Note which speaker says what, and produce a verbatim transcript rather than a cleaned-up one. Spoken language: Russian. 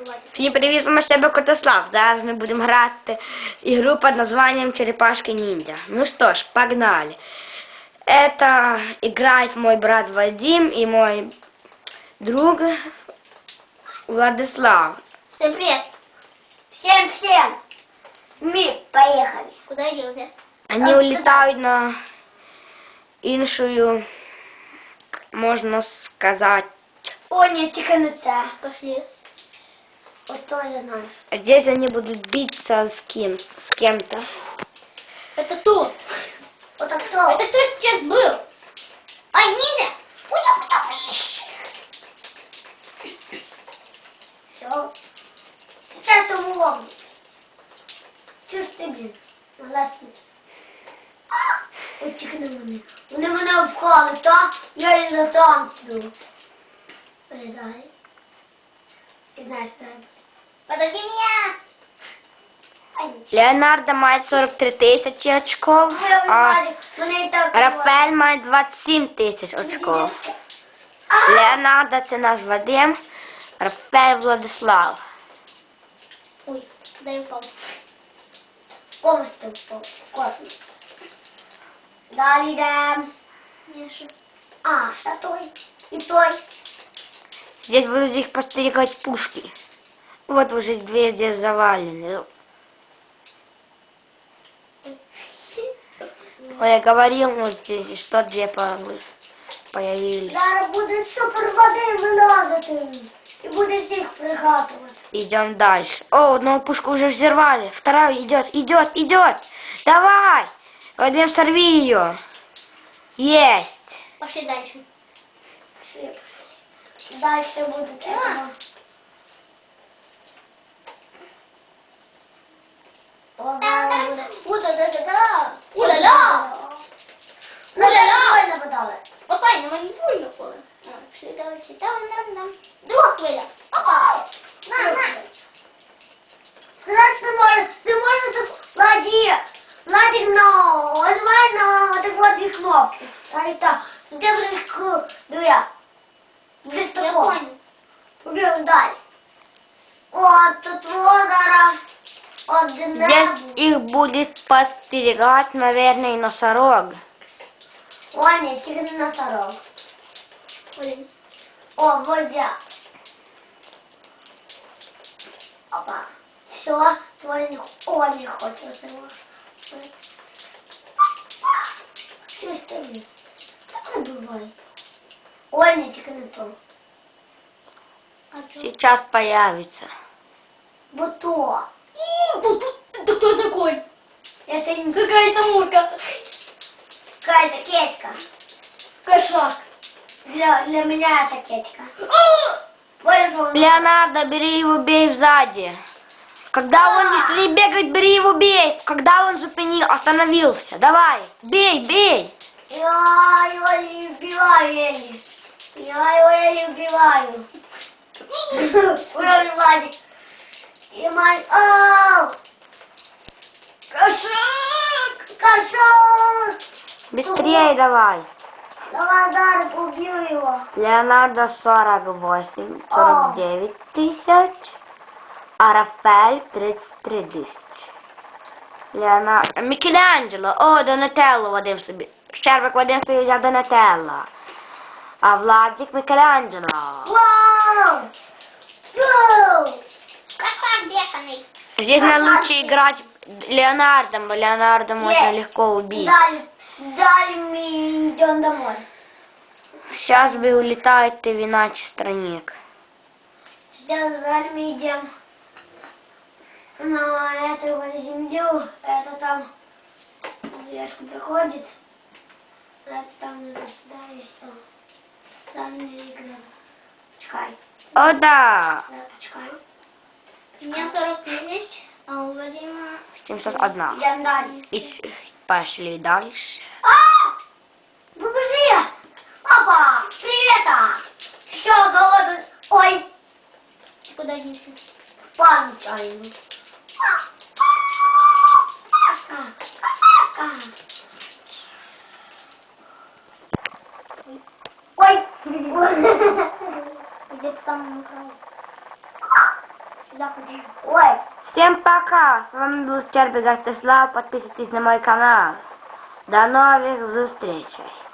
Speaker 1: Всім привіт, ми з себе Котослав. Зараз ми будемо грати ігру під названием Черепашки Ниндзя. Ну что ж, погнали. Это играет мой брат Вадим и мой друг Владислав.
Speaker 2: Всем привет. Всем-всем. Мы поехали. Куда идете?
Speaker 1: Они а, улетают куда? На иншую, можно сказать.
Speaker 2: О, нет, тихо на тебя. Пошли. Вот то я знаю.
Speaker 1: Здесь они будут биться с кем, с кем-то.
Speaker 2: Это тут. Это кто? Это кто сейчас был? Ай, Ниндзя! Куда куда Все. Сейчас ему ловлю. Чё ж ты, блин? Молодцы. Ой, тихо на мене. Вони мене обклали, так? Я її затанцю. Полезай. Ты знаешь, что это? Подожди меня!
Speaker 1: Леонардо мает сорок три тысячи очков, а Рафаэль мает двадцать семь тысяч очков. Леонардо це наш Вадим, Рафаэль Владислав.
Speaker 2: Ой, куда я упал? Комнату упал, космос. Далее идем. А, что той? И той.
Speaker 1: Здесь будут их подстерегать пушки. Вот уже две здесь завалены. Ой, я говорил, вот здесь что две появились.
Speaker 2: Зараз буде супер води вилазити. И будет всех приготовить.
Speaker 1: Идем дальше. О, одну пушку уже взорвали. Вторая идет, идет, идет. Давай! Вадим, сорви ее. Есть.
Speaker 2: Пошли дальше. Пошли. Дальше будет это. Уля-ля-ля! Уля-ля! Уля-ля! Опа, на мою пулю поле. Пошли дальше. Там-там-там. Друг хвиля. Опа! На, на. Сказать, ты можешь, ты можешь тут, Владик, Владик, но, давай, но, так вот две кнопки. А это, где будешь, дуя? Без такого. Я понял. Убьем дальше. Вот, тут вот, зараз.
Speaker 1: Здесь их будет подстерегать, наверное, носорог.
Speaker 2: Ой, нет, тигр носорог. Ой. О, водя. Опа. Все, твой не... О, не хочет его. Что стоит? Такое бывает. Ой, не тигр не то. А
Speaker 1: сейчас появится.
Speaker 2: Вот то. Это кто такой? Это не какая-то мурка. Какая-то кетька. Кошак. Для, для меня это кетька.
Speaker 1: Леонардо, бери его, бей сзади. Когда он не шли бегать, бери его, бей. Когда он зупинил, остановился. Давай, бей, бей.
Speaker 2: Я его не убиваю, еле. Я его еле убиваю. Уровень Владик. И мой... Ау! Кошак! Кошак!
Speaker 1: Быстрее давай.
Speaker 2: Давай, зараз убью его.
Speaker 1: Леонардо сорок восемь, сорок девять тысяч, а Рафаэль тридцать три тысячи. Леонардо... Микеланджело, о, Донателло Вадим собі. Щербик Вадим собі взяв Донателло. А Владик Микеланджело.
Speaker 2: Вау! Вау! Кошак бешеный.
Speaker 1: Здесь нам лучше играть Леонардо, Леонардо можно легко убить.
Speaker 2: Далее, далее мы идем домой.
Speaker 1: Сейчас вы улетаете в иначе странник.
Speaker 2: Сейчас далее мы идем на эту землю. Это там девушка приходит. Это там сюда и что. Там не игра. Чекай.
Speaker 1: О, да.
Speaker 2: Да, почекай. У меня сорок тысяч, а у Вадима...
Speaker 1: семьсот один.
Speaker 2: Идем дальше.
Speaker 1: И пошли дальше.
Speaker 2: А! Побежи! Папа! Привет! Все, голодный. Ой! Куда идти? Панчайну. Кашка! Кашка! Ой! Где-то там украл. Туда ходи. Ой.
Speaker 1: Всем пока! С вами был Щербик Гостислав. Подписывайтесь на мой канал. До новых встреч!